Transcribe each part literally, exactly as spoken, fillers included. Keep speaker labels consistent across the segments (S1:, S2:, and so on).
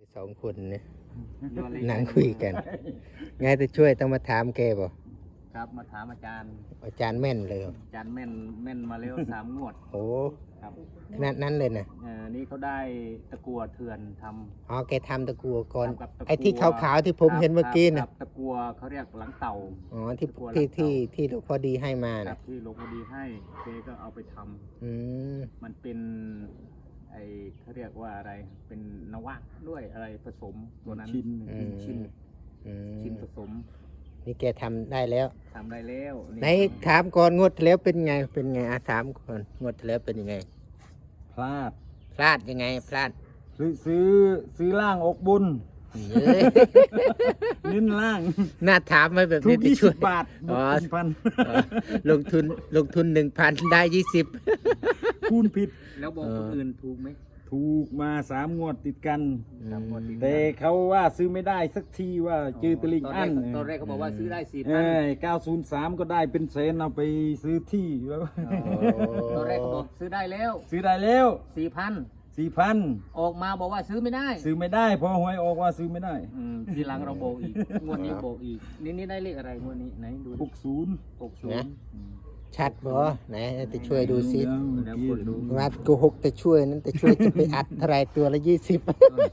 S1: สองคนเนี่ยนั่งคุยกันไงจะช่วยต้องมาถามแกบ่
S2: ครับมาถามอาจารย์
S1: อาจารย์แม่นเลย
S2: อาจารย์แม่นแม่นมาแล้วสามงวด
S1: โอ้
S2: ครับ
S1: ขนาดนั้นเลยนะ
S2: เออนี่เขาได้ตะกัวเถื่อนทำ
S1: อ๋อแกทำตะกัวก่อนไอ้ที่ขาวๆที่ผมเห็นเมื่อกี้นะ
S2: ตะกัวเขาเรียกหลังเต่า
S1: อ๋อที่ที่ที่ที่หลวงพ่อดีให้มานะ
S2: ที่หลวงพ่อดีให้แกก็เอาไปทำ
S1: อืม
S2: มันเป็นไอเขาเรียกว่าอะไรเป็นนวะด้วยอะไรผสมตัวนั้น
S3: ชิ้น
S2: ชิ้นชิ้นผสม
S1: นี่แกทำได้แล้ว
S2: ทำได้แล้ว
S1: ไหนถามก่อนงวดแล้วเป็นไงเป็นไงอาถามก่อนงวดแล้วเป็นยังไง
S3: พลาด
S1: พลาดยังไงพลาด
S3: ซื้อซื้อซื้อล่างอกบุญนิ้นล่าง
S1: น่าถามไหมแบบ
S3: นี้
S1: ยี่
S3: สิบบาท
S1: อ๋อ
S3: พัน
S1: ลงทุนลงทุนหนึ่งพันได้ยี่สิบ
S3: คูณผิด
S2: แล้วบอกคนอื่นถูกไหม
S3: ถูกมาสามงวดติดกันแต่เขาว่าซื้อไม่ได้สักทีว่าจือตลิงอัน
S2: ตอนแรกเขาบอกว่าซื้อได้สี่พั
S3: นเก้าศูนย์สามก็ได้เป็นแสนเอาไปซื้อที่แล้ว
S2: ตอนแรกเขาบอกซื้อได้แล้ว
S3: ซื้อได้แล้ว
S2: สี่พัน
S3: สี่พัน
S2: ออกมาบอกว่าซื้อไม่ได้
S3: ซื้อไม่ได้พอหวยออกว่าซื้อไม่ได้
S2: ทีหลังเราโบกอีกงวดนี้โบกอีกนี่นี่ได้เลขอะไรงวดนี้ไหนดู
S3: หกศูนย์
S2: หกศูนย์
S1: ชัดบ่ไหนจะช่วยดูซิวัดโกหกจะช่วยนั้นจะช่วยจะไปอัดเท่าไรตัวละยี่สิบ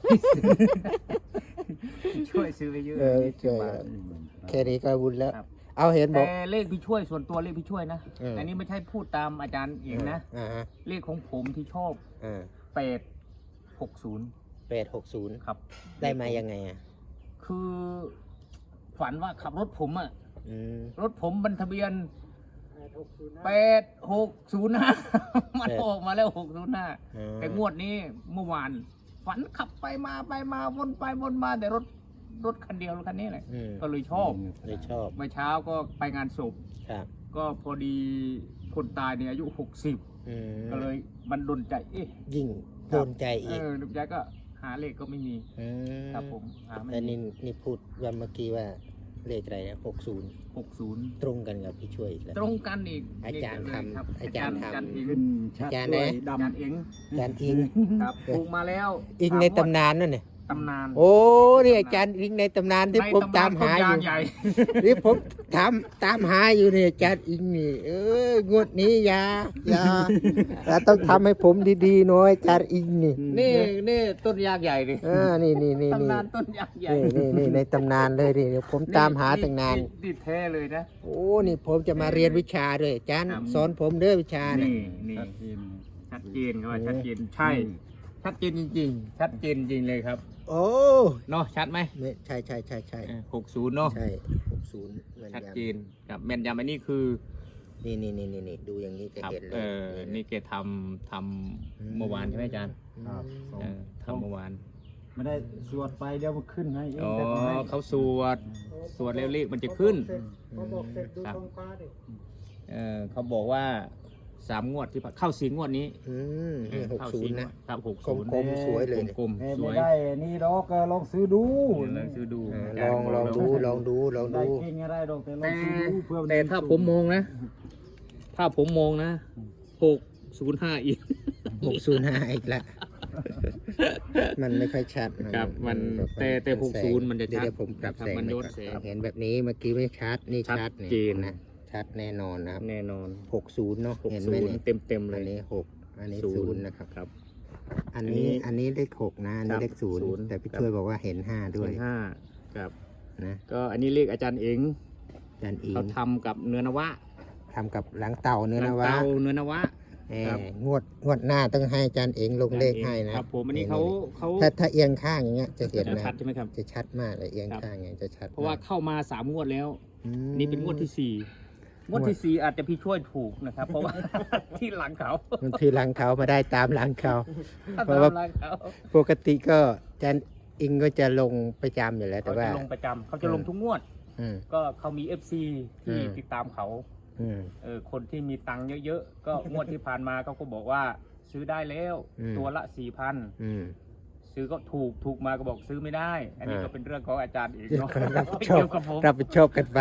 S2: ช่วยซื้อไปเยอะ
S1: เออช่วยแค่นี้ก็บุญแล้วเอาเห็นบอก
S2: แต่เลขพี่ช่วยส่วนตัวเลขพี่ช่วยนะอันนี้ไม่ใช่พูดตามอาจารย์เองนะเลขของผมที่ชอบแปดหกศูนย์
S1: แปดหกศูนย์
S2: ครับ
S1: ได้มายังไงอ่ะ
S2: คือฝันว่าขับรถผมอ่ะรถผมบรรทะเบียนแปดหกศูนย์ห้ามันออกมาแล้วหกศูนย์ห้าแต่งวดนี้เมื่อวานฝันขับไปมาไปมาวนไปวนมาแต่รถรถคันเดียวรถคันนี้แหละก็เลยชอบ
S1: เลยชอบ
S2: เมื่อเช้าก็ไปงานศพก็พอดีคนตายเนี่ยอายุหกสิบก็เลยมันดนใจเอ๊ะ
S1: ยิ่งโดนใจอีก
S2: เออดนใจก็หาเลขก็ไม่มีครับผมหาไม่
S1: มีแต่นี่นี่พูดวันเมื่อกี้ว่าเลขอะไรนะหกศูนย์
S2: หกศูนย์
S1: ตรงกันกับพี่ช่วย
S2: แล้วตรงกันอีก
S1: อาจารย์ทำอาจารย์ทำ
S3: อาจารย์
S1: เนี่ย
S2: อาจารย์เอง
S1: อาจารย์อิง
S2: ครับถูกมาแล้ว
S1: อิงในตำนานนั่นเนี่ย
S2: ตำนาน
S1: โอ้นี่อาจารย์อิงในตำนานที่ผมตามหาอยู่นี่ผมถามตามหาอยู่เนี่ยอาจารย์อิงนี่เอองวดนี้อย่าอย่าเราต้องทำให้ผมดีๆหน่อยอาจารย์อิงนี่
S2: นี่นี่ต้นยางใหญ่ดิ
S1: เออนี่นี่นี่
S2: ตำนานต้นยางใหญ่
S1: นี่นี่ในตำนานเลยดิเดี๋ยวผมตามหาตั้งนาน
S2: ดิแท้เลยนะ
S1: โอ้นี่ผมจะมาเรียนวิชาด้วยอาจารย์สอนผมเด้อวิชา
S2: นี่นี่ชัดเจนครับชัดเจนใช่ชัดเจนจริงๆชัดเจนจริงเลยครับ
S1: โอ้
S2: เนาะชัดไหม
S1: ใช่ใช่ใช่ใช่
S2: หกศูนย์เนาะ
S1: ใช่หกศูนย์
S2: ชัดเจนครับแม่นยำอันนี้คือ
S1: นี่นี่นี่นี่ดูอย่างนี้จะเห็นเลย
S2: เออนี่แกทำทำเมื่อวานใช่ไหมอาจารย์
S3: ครับ
S2: ทำเมื่อวาน
S3: ไม่ได้สวดไปเดี๋ยวมันขึ้นให้
S2: อ๋อเขาสวดสวดเร็วๆมันจะขึ้นครับเออเขาบอกว่าสามงวดที่เข้าสี่งวดนี้
S1: หกศูนย์นะครับ
S2: หกศูนย์
S1: กลมสวยเลย
S2: กลมสวย
S3: ไม่ได้นี่ดอกลองซื้อดู
S2: ลองซื้อดู
S1: ลองลองดูลองดูลองดู
S3: ได้เก่งอะไรดอกแต่ลองซื้อดูเพื่อ
S2: แต่ถ้าผมมองนะถ้าผมมองนะหกศูนย์ห้าอีก
S1: หกศูนย์ห้าอีกละมันไม่ค่อยชัด
S2: ครับมันแต่แต่หกศูนย์มันจะชัด
S1: ผมปรับแสงมันยศเห็นแบบนี้เมื่อกี้ไม่ชัดนี่ชัด
S2: เจนนะ
S1: ชัดแน่นอนนะครับ
S2: แน่นอน
S1: หกศูนย์เนาะ
S2: เห็นไหมเนี่ยเต็มเต็มเลย
S1: อันนี้หกอันนี้ศูนย์นะครับครับอันนี้อันนี้เลขหกนะอันนี้เลขศูนย์แต่พี่ช่วยบอกว่าเห็นห้าด้วย
S2: ห้าครับ
S1: นะ
S2: ก็อันนี้เลขอาจารย์เอง
S1: อาจารย์เอง
S2: เขาทำกับเนื้อนวะ
S1: ทำกับหลังเต่าเนื้อนวะ
S2: เต่าเนื้อนวะ
S1: งวดงวดหน้าต้องให้อาจารย์เองลงเลขให้นะครับ
S2: ผมอันนี้เขาเขา
S1: ถ้าถ้าเอียงข้างอย่างเงี้ยจะเห็นนะ
S2: ชัดใช่ไหมครับ
S1: จะชัดมากเลยเอียงข้างอย่างเงี้ยจะชัด
S2: เพราะว่าเข้ามาสามงวดแล้วนี่เป็นงวดที่สี่งวดที่สี่อาจจะพี่ช่วยถูกนะครับเพราะว่าที่หลังเขา
S1: มันที่หลังเขามาได้ตามหลังเขาเพราะว่าปกติก็อาจารย์อิงก็จะลงประจำอยู่แล้วแต่ว่า
S2: ลงประจำเขาจะลงทุกงวดก็เขามี เอฟ ซี ที่ติดตามเขาเออคนที่มีตังค์เยอะๆก็งวดที่ผ่านมาเขาก็บอกว่าซื้อได้แล้วตัวละสี่พันซื้อก็ถูกถูกมาก็บอกซื้อไม่ได้อันนี้ก็เป็นเรื่องของอาจารย์เองเนาะ
S1: รับผิดชอบรับผิดชอบกันไป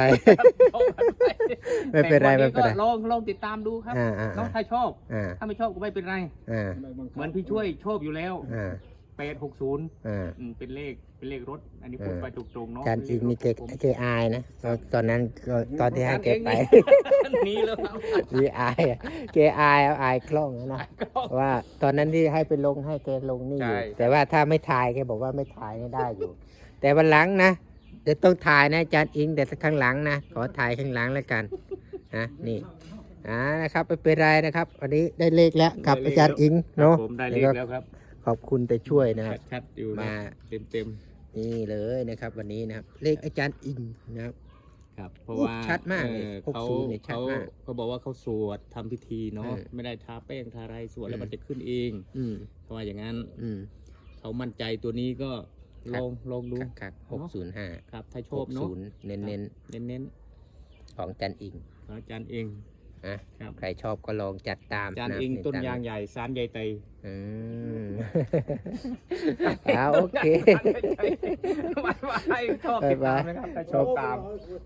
S1: ไม่เป็นไรไม่เป็นไร
S2: ลองลองติดตามดูครับน้องถ้าชอบถ้าไม่ชอบก็ไม่เป็นไรเหมือนพี่ช่วยชอบอยู่แล้วแปดหกศูนย์
S1: อ่า
S2: เป็นเลขเป็นเลขรถ อันนี้พูด
S1: อ่า
S2: ไปตรงๆเนาะ
S1: อาจารย์อิงนี่แก
S2: ผม
S1: แกอายนะตอนตอนนั้นก็ตอนที่ให้แกไป
S2: หนีแล้วครับ
S1: มีอายอะแกอายเอาอายคล่องนะว่าตอนนั้นที่ให้ไปลงให้แกลงนี่อยู่
S2: ใช่
S1: แต่ว่าถ้าไม่ถ่ายแกบอกว่าไม่ถ่ายไม่ได้อยู่ แต่วันหลังนะเดี๋ยวต้องถ่ายนะอาจารย์อิงแต่ข้างหลังนะขอถ่ายข้างหลังแล้วกันนะนี่อ่านะครับไม่เป็นไรนะครับวันนี้ได้เลขแล้วกับอาจารย์อิงเนาะ
S2: ผมได้เลขแล้วครับ
S1: ขอบคุณแต่ช่วยนะครับ
S2: ชัดๆอยู่
S1: มา
S2: เต็มเต็ม
S1: นี่เลยนะครับ วันนี้นะครับเลขอาจารย์อิงนะครับ
S2: ๆครับ เพราะ
S1: โอ้
S2: ว่า
S1: ชัดมากเลย
S2: ออ
S1: หก
S2: เขา
S1: ศูนย์เนี่ยชัด
S2: เขา
S1: มาก
S2: เขาบอกว่าเขาสวดทำพิธีเนาะ
S1: เออ
S2: ไม่ได้ทาแป้งทาอะไรสวดแล้ว
S1: อืม
S2: มันจะขึ้นเอง
S1: อืม
S2: เขาว่าอย่างนั้น
S1: อืม
S2: เขามั่นใจตัวนี้ก็
S1: ครั
S2: ล
S1: บ
S2: องลองดู
S1: ครับหกศูนย์ห้า
S2: ครับถ้าช
S1: ห
S2: อบ
S1: ก
S2: เนาะ
S1: ศูนย์เน้นเน้น
S2: เน้นเน้น
S1: ๆของอาจารย์อิง
S2: ๆของอาจารย์เอง
S1: นะครับ ใครชอบก็ลองจัดตาม
S2: อาจารย์
S1: ะ
S2: เอง
S1: ใ
S2: ต้นยางใหญ่สารใหญ่ไต
S1: อืม เอาโอเค
S2: ไม่ไม่ชอบติดตามนะครับถ้าชอบตาม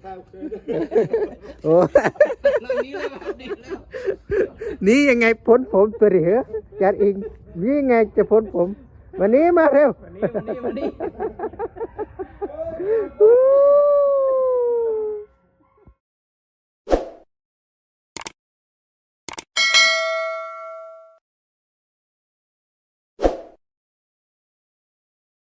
S1: โอ้
S2: นี่เลยครับนี่แล้ว
S1: นี่ยังไงพ้นผมตัวเหรออาจารย์อิงนี่ยังไงจะพ้นผมวันนี้มาเร็ว
S2: วันนี้วันนี้วันนี้
S1: อู้